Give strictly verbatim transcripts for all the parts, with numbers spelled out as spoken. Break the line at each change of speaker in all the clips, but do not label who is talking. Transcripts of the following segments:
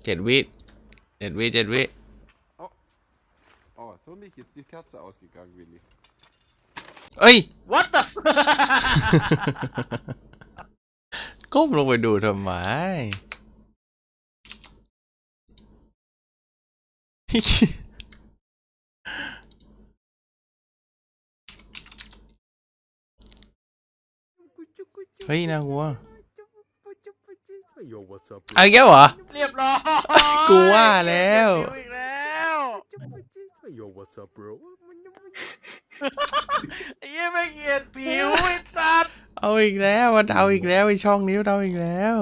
เจ็ดวิเจ็ดวิเจ็ดวิ
Oh, für mich jetzt die Kerze ausgegangen, Willi.
เอ้ย
What the
ก้มลงไปดูทำไม เฮ้ยน่ากลัวเอาแก้วเหรอ
เรียบร้อย
กูว่าแล้ว
อีกแล้ว
Yo, what's up, bro?
ไอ้เหี้ยไม่เกลียดผิวไอ้สัตว์
เอาอีกแล้วมันเอาอีกแล้วไอช่องนี้มันเอาอีกแล้ว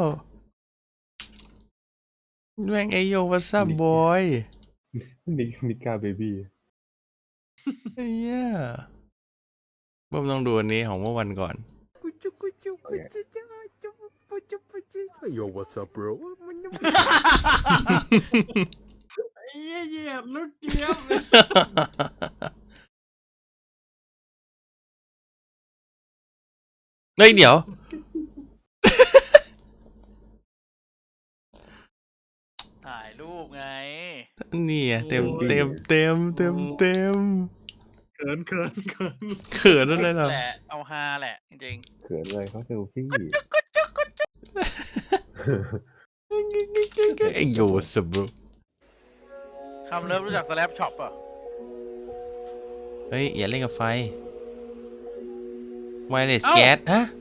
แม่งไอโยวัสบอย
นิกนิกาเบบี้
ไอ้เหี้ยเบิ่มต้องดูอันนี้ของเมื่อวันก่อน
Yo, what's up, bro?
ไอ้เหี้ยเหยียบลูกเจี๊ยบเลย
เฮ้ยเดี๋ยว
ถ่ายรูปไง
นี่อะเต็มเต็มเต็มเต็มเต็ม
เขินเขินเขิน
เขินอะไรเหรอ
แหละเอาฮาแหละจริง
เขินอะไรเขาเซลฟี่
ไอโยวัสบอย
ๆคำเลิฟรู้จักสแลปช็อปป่ะ
เฮ้ยอย่าเล่นกับไฟไวเลสแก๊สฮะ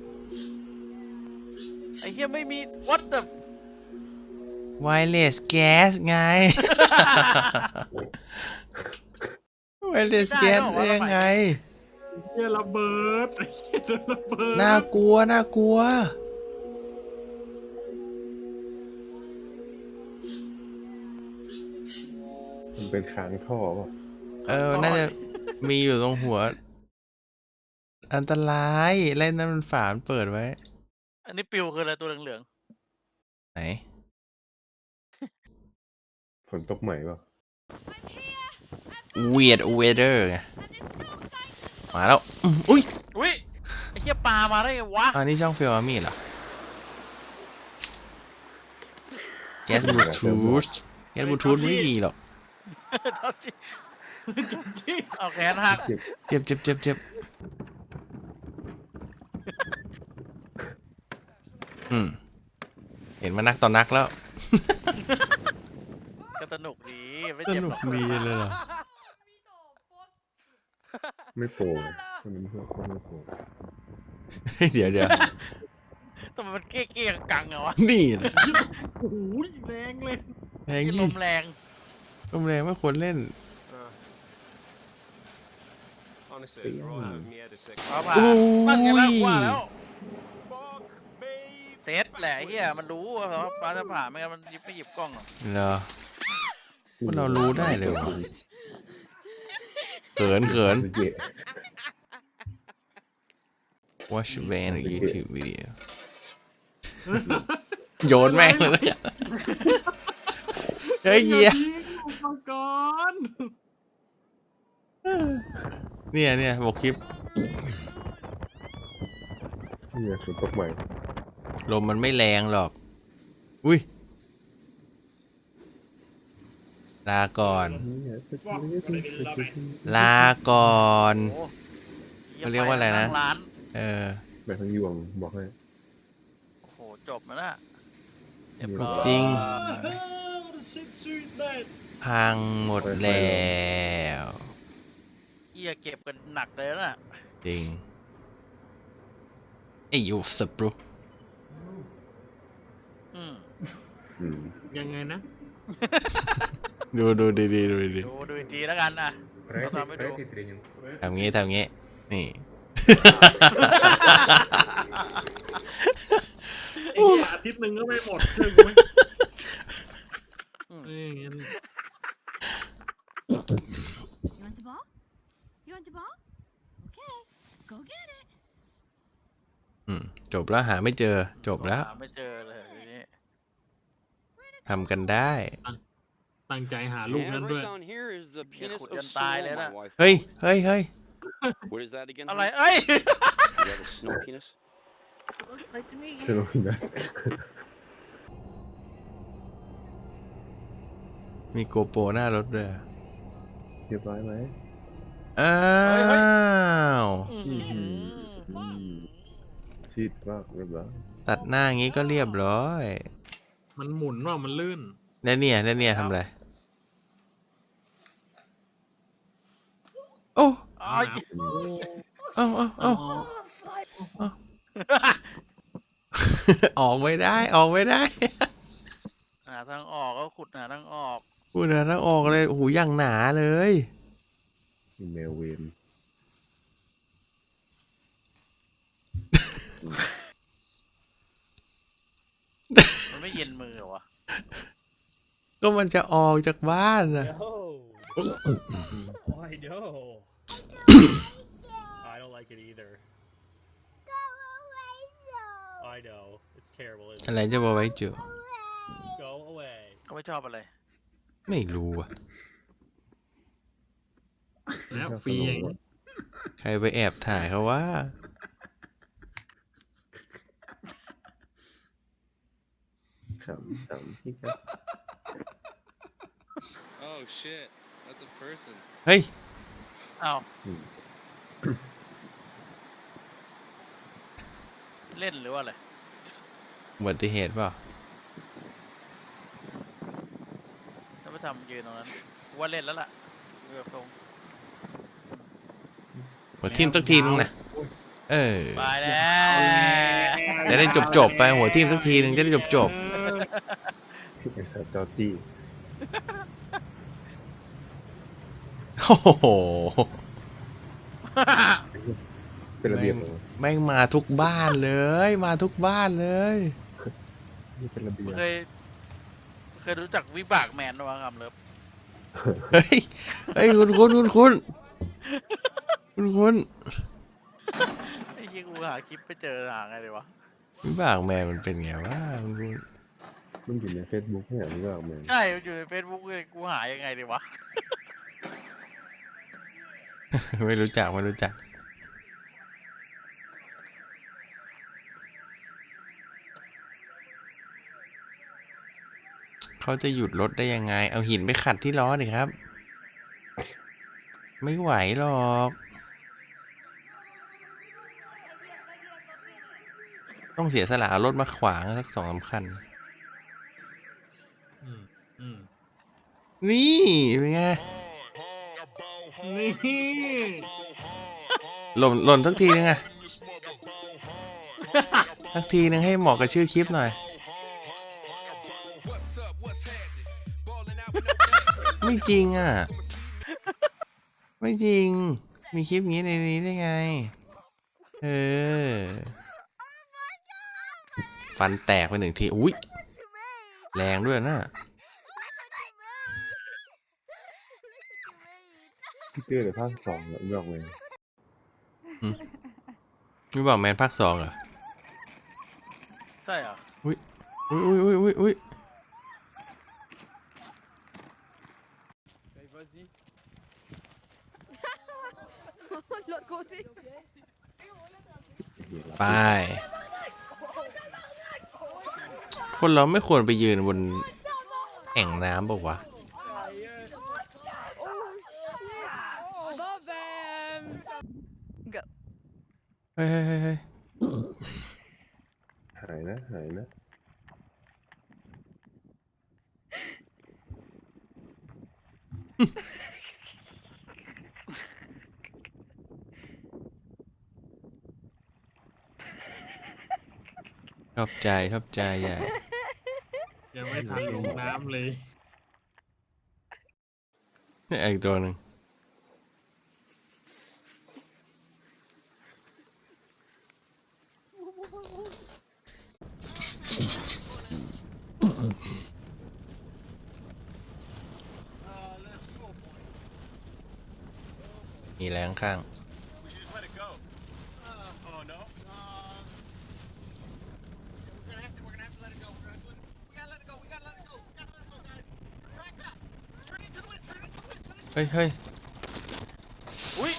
ไอ้เหี้ยไม่มี what the
ไวเลสแก๊สไง ไวเลสแก๊สได้ยังไง
เฮียระเบิดเฮียระเบิด
น่ากลัวน่ากลัว
มันเป็นค้างท่อป่ะ
เออ น่าจะมีอยู่ตรงหัว อันตรายเล่นนั้นมันฝามันเปิดไว้
อันนี้ปิวคืออะไรตัวเหลือง
ไหน
ฝนตกใหม่ป่ะ
weird weather ไง มาแล้วอืมอุ้ย
ๆอุ้ยไอ้เหี้ยปลามาได้ไงวะ
อันนี้ช่องเฟลอามี่เหรอ แก๊สบลูทูธแก๊สบลูทูธไม่มีหรอก
เอาแขนหัก
เจ็บเจ็บเจ็บเจ็บอืม เห็นมานักต่อนักแล้ว
ก็สนุกดีไม่
ส
เจ็บ
นุ
หร
ก
อก
ดีเลยเหรอ
ไม่โปร่งคนนี้ไม่โปร่งไม่โปร่ง
เดี๋ยวเดี๋ยว
ทำไมมันเก้เก้กังๆอะวะ
นี่แหละ
โอ้ยแรงเลย
แรง
ที่ล
ยี่
มแรง
ลมแรงไม่ควรเล่น
Honestly, throw out of me at a second.
ฟ้าผ่า
โอ้ย
นั่นไงแล้วว่าแล้ว
Fuck me.
เซตแหละไอ้เหี้ยมันรู้ว่าฟ้าจะผ่าไม่งั้นมันหยิบไม่หยิบกล้องหรอก
เหรอ พวกเรารู้ได้เลยวะ เขินเขิน
สุดเยอะ
watch ban YouTube video โยนแม่งเลยนะเฮ้ยเหี้ย
มังกร
เนี่ยเนี่ยบอกคลิป
เนี่ยฝนตกใหม่
ลมมันไม่แรงหรอก อุ้ย ลาก่อน ลาก่อน
โอ้
เขาเรียกว่าอะไรนะ
งร้าน
เออ
แบบทั้งยวงบอกให้
โอ้โหจบแล้วนะเรียบร้อย
จริง พังหมดแล้ว
เหี้ยเก็บกันหนักเลยนะ
จริงไอ้ยูสปรู
อืม
อืม
ยังไงนะ
ดูดูดีดีดูดี
ดูดูอีกทีแล้วกันนะเราทำให้ดู
ทำงี้ทำงี้ นี่
ไอ้เหี้ยอาทิตย์หนึ่งก็ไม่หมดเชื่อกูไหม
อืม
เอ้ยงั้น
You want the ball? You want the ball? Okay, go get it.
อืมจบแล้วหาไม่เจอ จบแล้ว
หาไม่เจอเลยทีนี้
ทำกันได้
ตั้งใจหาลูก
Yeah,
นั้นด้ว
right
ย
down here is the penis
ขุด
of
จนตายเลย
Snow,
นะ
my wife.
เฮ้ย เฮ้ยเฮ้ย
What is that again?
อะไร
honey?
เอ้ย
Is that a snow penis?
Looks like to me.
สนุกนะ
มีโกโปรหน้ารถด้วย
เรียบร้อยไหม
อ้าว
อื้อหือ
อืมชีดมากเรียบร้อย
ตัดหน้างี้ก็เรียบร้อย
มันหมุนว่ามันลื่น
แล้วเนี่ยแล้วเนี่ยทำอะไร โอ้
อ้าย
เอ้าเอ้าเอ้าออกไม่ได้ ออกไม่ได้
หาทางออกก็ขุดหาทางออก
พูดนะต้องออกเลย โอ้โหอย่างหนาเลย
อีเมลเวน
มันไม่เย็นมือเหรอวะ
ก็มันจะออกจากบ้านนะ
Oh, I know. I don't like it either. I know. It's terrible,
อะ
isn't
ไรจะบอกไว้จุ
it? Go away.
เขาไม่ชอบอะไร
ไม่รู้อ่ะ
แล้วฟรีอย่างนี้
ใครไปแอบถ่ายเขาว่า
ขำขำพี่ครับ
Oh shit, that's a person.
เฮ้ย
อ้าว เล่นหรือว่าอะไร
อุบัติเหตุเปล่า
ถ้าไม่ทำยืนตรงนั้นกูว่าเล่นแล้วล่ะดูแบบทรง
หัวทิ่มสักทีนึงนะ เออ
ไปแล้ว
จะได้จบจบๆไปหัวทิ่มสักทีนึงจะได้จบจบ
ไอ้สัตว์จอจี้
ๆโอ้โห
เป็นระเบียบเหรอ
แม่งมาทุกบ้านเลย มาทุกบ้านเลย
นี่เป็นระเบียบ
เคย เคยรู้จักวิบากแมนหรือเปล่าครับเลิฟ
เฮ้ย เฮ้ย คุณคุณคุณคุณคุณคุณ
ไอ้ยี่กูหาคลิปไปเจอหาไงเลยวะ
วิบากแมนมันเป็นไงวะคุณคุณ
มันอยู่ในเฟซบุ๊กเนี่ยนี่ก็ออกมา
ใช่มันอยู่ในเฟซบุ๊กเลยกูหายังไงดีวะ
ไม่รู้จักไม่รู้จัก เขาจะหยุดรถได้ยังไง เอาหินไปขัดที่ล้อดิครับ ไม่ไหวหรอก ต้องเสียสละเอารถมาขวางสักสองสามคัน
อืมอืม
นี่เป็นไง
นี่
หล่นหล่นสักทีนึงอะสักทีนึงให้เหมาะกับชื่อคลิปหน่อย ไม่จริงอ่ะ ไม่จริง มีคลิปงี้ในนี้ได้ไง เออ ฟันแตกไปหนึ่งที อุ้ยแรงด้วยนะ
พี่เต้เลยภาคสองแล้วบอกเลย
ไม่บอกแมนภาคสองเหรอ
ใช่เหรอ
อุ้ยอุ้ยอุ้ยอุ้ยอุ้ยอุ้ย
L'autre côté.
ไป คนเราไม่ควรไปยืนบนแอ่งน้ำบอกว่าวะ
Bon ben. Go.
เฮ้ยเฮ้ยเฮ้ยเฮ้ย
หายนะหายนะ
ชอบใจชอบใจใหญ่
ยังไม่ทันลงน้ำเลย
นี่อีกตัวหนึ่งมีแรงข้าง
We should just let it go. Oh no.
We're gonna have to. We're gonna have to let it go. We're gonna have to let it, we gotta let it go. We gotta let it go. We gotta let it go, guys. Back up. Turn into the wind. Turn into the wind. Let it
เฮ้ยเฮ้ย
อุ้ย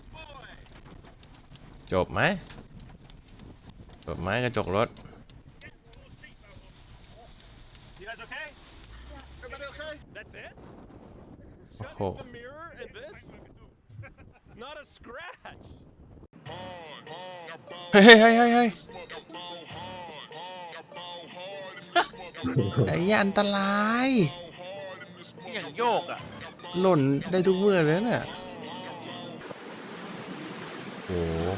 จบไหมจบไหมกระจกรถ
You guys okay?
Everybody okay?
That's it? Just
Oh.
the mirror and this? Not a scratch.
เฮ้ยเฮ้ยเฮ้ยเฮ้ยเฮ้ยไอ้เหี้ยอันตราย
นี่อย่างโยกอ่ะ
หล่นได้ทุกเมื่อเลยเนี่ยโอ้โห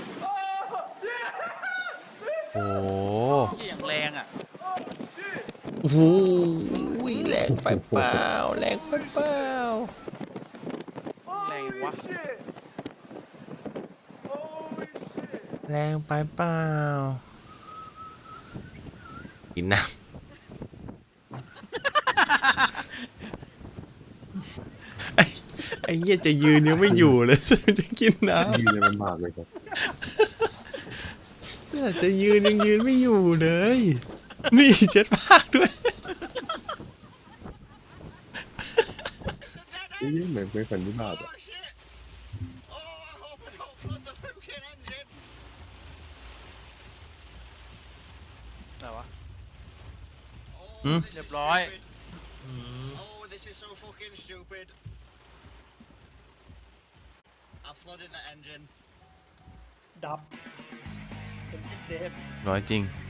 โอ้โห
นี่อย่างแรงอ่ะ
โอ้โหแรงไปเปล่าแรงไปเปล่า
แรงวะ
แรงไปเปล่ากินน้ำ ไอ้ไอ้เหี้ยจะยืนยังไม่อยู่เลย จะกินน้ำ
ยืนยังลำบากเลยครับ
น่าจะยืนยังยืนไม่อยู่เลย นี่เจ็ดภาคด้วย
นี่เหมือนเป็นฝันวิบากอ่ะ
Oh shit! Oh, I hope I don't flood the fucking engine.
ไหนวะ
Oh,
Hmm?
this is
เรียบร้อย
stupid.
อืม
Oh, this is so fucking stupid. I flooded the engine.
ร้อยจริง